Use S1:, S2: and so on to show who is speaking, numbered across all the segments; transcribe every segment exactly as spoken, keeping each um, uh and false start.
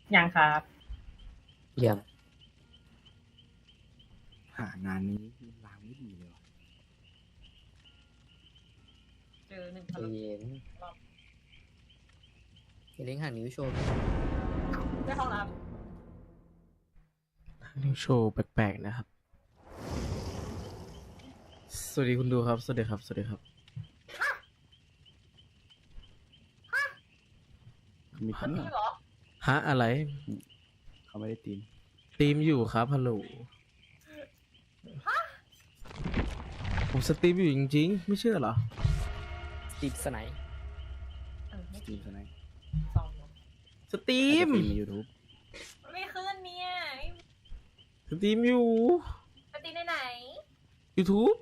S1: ยังครับ
S2: เยี่ยม
S3: หางานนี้ลางไม่ดีเลยว่ะ
S1: เจอหนึ่ง
S2: ใจ
S1: พัน
S2: เย็นอย่าเล่นหางนิ้วโชว์
S1: ได้ห้องน้
S4: นิวโชว์แปลกๆนะครับ สวัสดีคุณดูครับ สวัสดีครับ สวัสดีครับ
S3: มี
S1: ำ
S3: คน
S1: นี่
S3: เนี่ย
S1: เหรอ
S4: ฮะอะไร
S3: เขาไม่ได้ตีม
S4: สตรีมอยู่ครับฮัลโหลผมสตรีมอยู่จริงๆ ไม่เชื่อเหรอ
S2: ติดสไนป์
S1: เออไม่
S3: ตีมซะไหน
S1: สองเนอะ
S4: สตรี
S3: ตี
S4: ม
S3: มใน YouTube
S1: ไม่ขึ้นเนี่ย
S4: สตรีมอยู่
S1: ปตีในไหน
S4: YouTube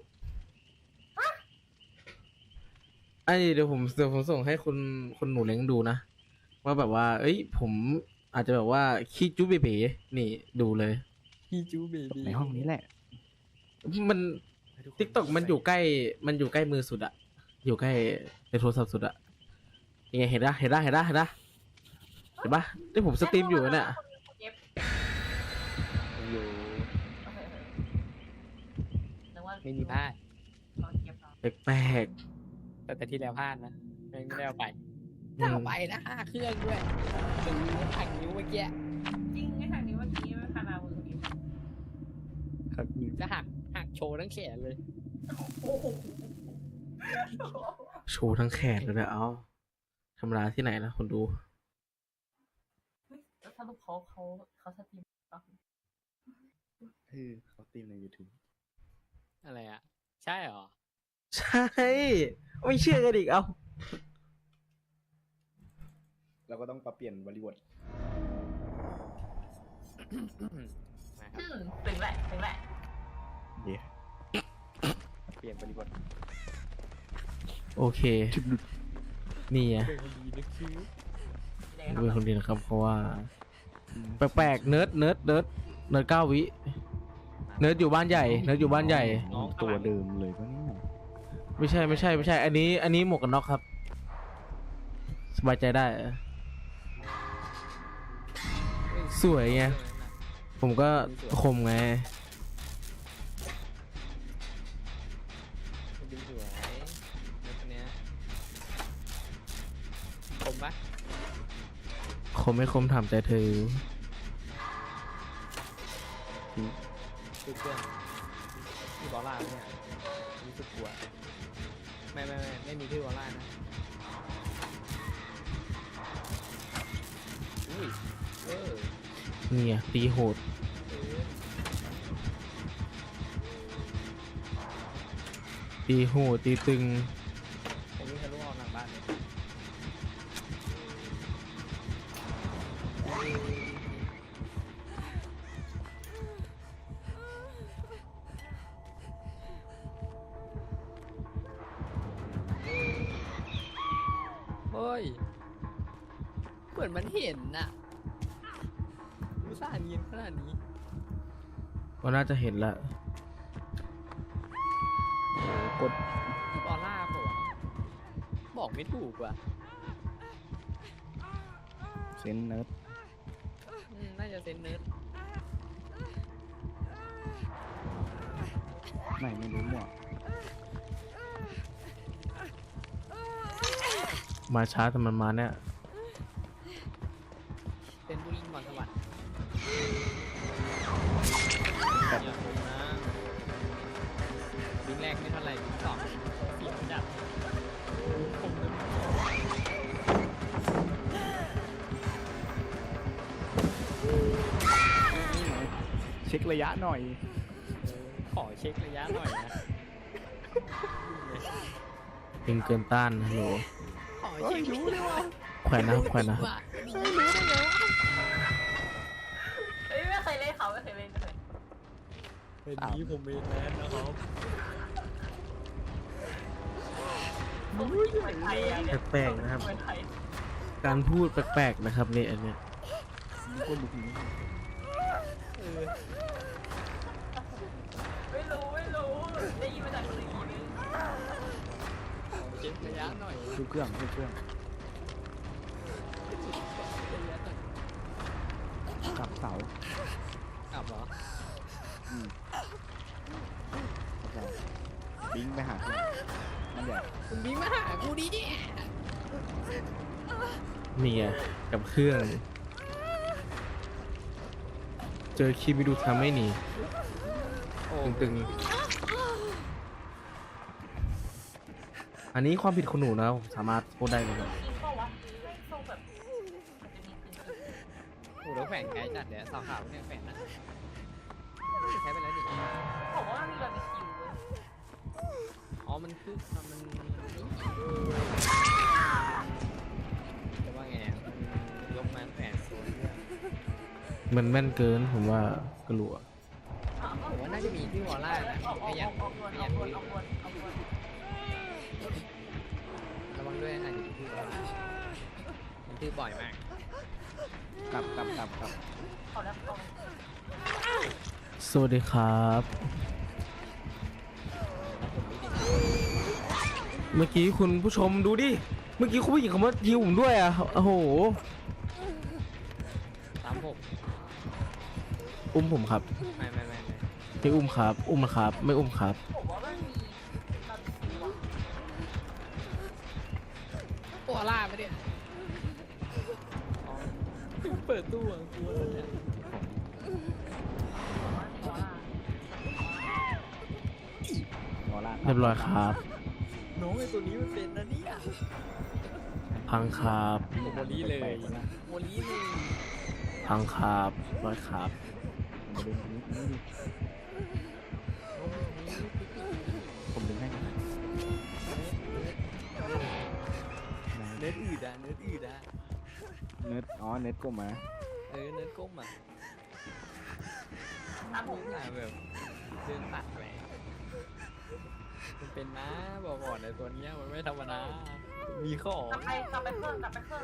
S4: ไอ้เดี๋ยวผมเดี๋ยวผมส่งให้คุณคุณหนูเล้งดูนะ ว่าแบบว่า เอ้ย ผมอาจจะแบบว่าขี้จุ๊บเบ๋ๆนี่ดูเลย
S2: พี่จูเบบี้
S3: ในห้องนี้แหละ
S4: มันทิกตอกมันอยู่ใกล้ มันอยู่ใกล้มือสุดอะอยู่ใกล้ในโทรศัพท์สุดอะยังไงเห็นปะเห็นปะเห็นปะเห็นปะเห็นปะที่ผมสตรีมอยู่เนี่ย
S1: เย็บ
S2: อยู่
S1: โอเคนึกว่า
S2: ไม่มีพลาด
S1: เราเย็บเรา
S4: แปลก
S2: แต่แต่ที่แล้วพลาดนะไม่ไม่ได้เอาไป
S4: ๆ
S2: ถ้า
S4: อื
S2: เอา
S4: ม
S2: ไปนะห้าเครื่องด้วยถึงทางนิ้วเมื่อกี้
S1: จริงไอ้ทางนี้เมื่อกี้ไม่พานามือนี้
S3: ครับมี
S2: จะหักหักโชว์ทั้งแขนเลย
S1: โอ้โห
S4: โชว์ทั้งแขนเลยนะเอาธรรมดาที่ไหนนะคนดู
S1: แล้วสรุปเขาเขาเขาสตรีมปะ
S3: เออเขาตีมใน YouTube
S2: อะไรอ่ะ ใช่เหรอ
S4: ใช่ ไม่เชื่อกันอีกเอา
S3: เราก็ต้องปรับเปลี่ยนบริบท
S2: มาค
S1: อื
S2: รับ
S1: มถึงแหละถึงแหละ
S3: เดี๋ยว
S2: เปลี่ยนบริบท
S4: โอเค นี่ไง
S2: เป็นคนดีนะคิว
S1: แดง
S4: เป็นคนดีนะครับ เพราะว่า แปลกๆเนิร์ดเนิร์ดเนิร์ดเนิร์ดเก้าวิ เนิร์ดอยู่บ้านใหญ่ เนิร์ดอยู่บ้านใหญ่
S3: น้องตัวเดิมเลยปะเนี่ย
S4: ไม่ใช่ไม่ใช่ไม่ใช่ อันนี้ อันนี้หมวกกันน็อกครับ สบายใจได้ สวยไง ผมก็คมไง
S2: ดูสวยแล้วคนเนี้ยคมปะ
S4: คมไม่คมถามใจเธอ
S2: ดูเครื่องมีบอลล่าเนี่ยรู้สึกกลัวไม่ไม่ไม่ไม่มีชื่อบอลล่านะอุ้ยเออ
S4: เนี่ยตีโหด
S2: เออ
S4: ตีโหด ตีตึง
S2: ผมวิ่งทะลุออกหลังบ้านเลยเฮ้ยเหมือนมันเห็นน่ะอุตส่าห์เนียนขนาดนี้
S4: ก็น่าจะเห็นละ
S3: กด
S2: ออร่าปะวะบอกไม่ถูกว่ะ
S3: เซนเนิร์ด
S2: อืมน่าจะเซนเนิร์ด
S3: ไม่ไม่รู้มั่ว
S4: มาช้าแต่มันมาเนี่ย
S2: เซนบุรีมอนสวัสดิ์อย่าโกงนะวิ่งแรกไม่เท่าไหร่วิ่งสองเสียวจัดผมเลย
S3: เช็คระยะหน่อย
S2: ขอเช็คระยะหน่อยนะ
S4: เป็นเกินต้านฮัลโหล
S2: ขอเช็ครู้เลยว่า
S4: แขวนนะครับแขวนนะครับ
S1: เฮ้ยไม่เคยเล่นเขาไม่เคยเล่นไม่เคย
S2: เป็นนี้ผมเมนแมนนะครับ
S1: ผมเหมือนไทยอะเนี่ย
S4: แปลกๆนะครับ
S1: เหมือนไทย
S4: การพูดแปลกๆนะครับเนี่ยอันเนี้ย
S3: ก็ลุกนี้
S2: เออ
S1: ไม่รู้ไม่รู้ได้ยินมาจากคนอื่นอีกนึง
S2: ขอเช็คระยะหน่อย
S3: ดูเครื่องดูเครื่อง
S2: ระยะหน่อย
S3: กลับเสาก
S2: ลับเหรอ
S3: อืมกลับเสาบิงไปหาเพื่อนมันใหญ่
S2: คุณบิงมาหากูดิ
S4: นี่ไงกับเครื่อง เจอคีมิดูทำไม่หนี
S2: โอ้
S4: ตึงๆ อันนี้ความผิดของหนูนะผมสามารถพูดได้เลยครับ
S1: จริงเปล่าวะไม่ทรงแบบมันจะมีจริง
S2: โหแล้วแฝงไกลจัดเดี๋ยวสาวขาวเนี่ยแฝงนะใช้ไปแล้วดิ
S1: ๆบอกว่ามันมีบาร์บีคิวเว้ย
S2: อ๋อมันคือมันจะว่าไงอะมันยกมาแฝงศูนย์เรื่อง
S4: มันแม่นเกินผมว่ากลัว
S1: เอาเอา
S2: ผมว่าน่าจะมีที่วอลล่านะ
S1: เอาเอา
S2: ไม่อยาก
S1: เอาเอา
S2: ไม่อ
S1: เอา
S2: ยาก
S1: เอา
S2: คุย
S1: เอาเอาเอาเอา
S2: ระวังด้วยอาจจะมีที่วอลล่ามันทื่อบ่อยมาก
S3: กลับกลับกลับกลับ
S1: เอาแล้วเอาแล้ว
S4: สวัสดีครับ เมื่อกี้คุณผู้ชมดูดิ เมื่อกี้คุณผู้หญิงเขามายิวผมด้วยอ่ะ โอ้โห
S2: สามหก
S4: อุ้มผมครับ
S2: ไม่ไม่ไม่ไม่
S4: ไม่อุ้มครับ อุ้มนะครับ ไม่อุ้มครับ
S1: ผมว่ามันมีบาร์บีคิวอะ
S2: วอลล่าไปะเนี่ยอ๋อเปิดตู้อ่ะกลัวแล้วเนี่ย
S1: ผมว่ามีวอลล่าว
S3: อล่า
S4: เรียบร้อยครับ
S2: น้องไอ้ตัวนี้มันเป็นนะเนี่ย
S4: พังครับ
S2: โมลีเลยโมลีเลย
S4: พังครับร้อยครับ
S3: มันดึงนี้นี้ดิผมดึงให้กันนะ
S2: เนื้ออืดอ่ะเนื้ออืดอ่ะ
S3: เนิร์ดอ๋อเนิร์ดกลมมา
S2: เออเนื้อก้มอ่ะ
S1: ตามผม
S2: อ่ะแบบเดินตัดไปมันเป็นนะบอกก่อนเลยตัวเนี้ยมันไม่ธรรมดามีข้อก
S1: ลับไปกลับไปเครื่องกลับไปเครื่อง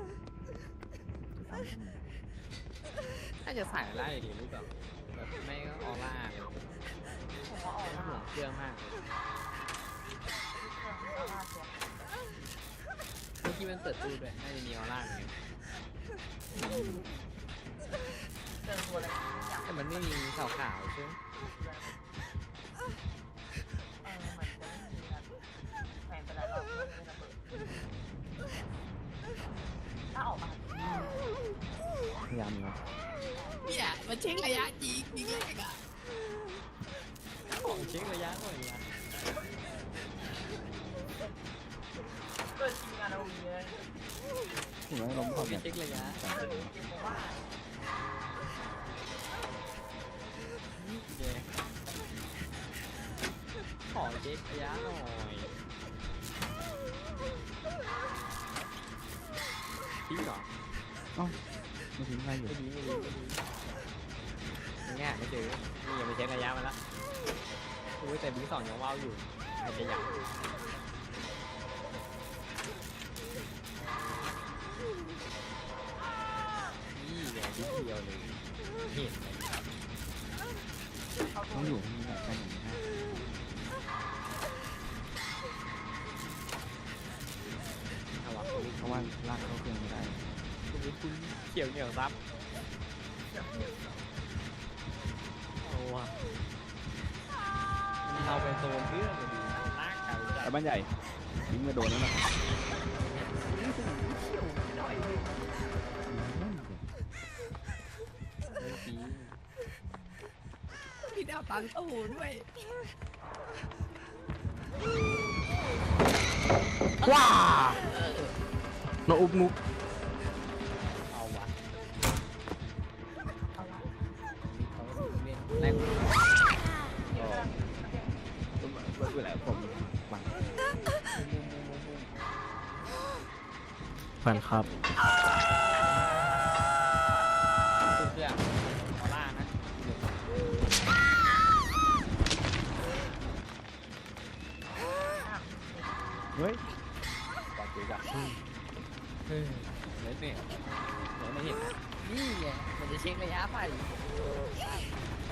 S2: น่าจะใส่ไล่ดิรู้แบบแบบไม่ก็ออร่าเลย
S1: ผมว่าออก
S2: ไม่
S1: มา
S2: ห่วงเครื่องมากเลย
S1: เครื่องออกมาเสีย
S2: เมื่อกี้มันเปิดตู้ด้วยน่าจะมีออร่าเหมือนกัน
S1: เจอตัวอะไรอยาก
S2: แต่มันไม่มีขาวๆใช่ไหม
S1: เออเหมือนจะไม่มีนะแฟนไปหลายรอบไม่ได้ระเบิดถ้าออกมา
S3: พยายามอยู่
S2: เนี่ยมันเช็คระยะจริงจริงเลยอ่ะของเช็คระยะหน่อยนะ
S1: เกิดทีมงานเรามีเลย
S3: ถึงแม้ล้มความ
S2: ไม่
S3: แบบ
S2: เช็คระยะ
S3: สามคน
S1: เกมบอกว่า
S2: นี่แกขอเช็คระยะหน่อยทิ้งเหรอ
S3: เอ้าไม่ทิ้งใครอยู่
S2: ไม่ดีไม่ดีไม่ดีง่ายไม่เจอนี่ยังไม่เช็คระยะมาแล้วอุ้ยแต่บีสองยังว้าวอยู่อาจจะอยากนี่ไงนิดเดียวเลยเห็นเลย
S1: เขาตั
S3: ต้
S1: ว
S3: องอยู่ที่นี่แหละกันอย่างนี้นะ
S2: เอาวะ
S3: เพราะว่าลากเข้าเครื่องไม่ได้
S2: คุณคุณเขียวเหนียวซับเอาวะมันเอาไปโซนเรื่องเลยดีลากไก่จั
S3: แต่
S2: ด
S3: บ้านใหญ่ยิงมาโดนแล้วนะ
S2: ไม่จริง
S5: พี่ดาวตังตู้ด้วย
S4: ว้าน้องอุ๊บนุ๊บ
S2: เอาวะ
S1: เอาละ
S2: นี่เขาเล่นแรก
S1: เดี๋ยวนะ
S3: ก็เวลาผมบัง
S4: แฟนครับ
S2: ตู้เครื่องออร่านะ
S3: เฮ้ย
S2: ปากเกะเฮ้ยเล่นเนี่ยเดี๋ยวไม่เห็นนะนี่ไงมันจะเช็คระยะไป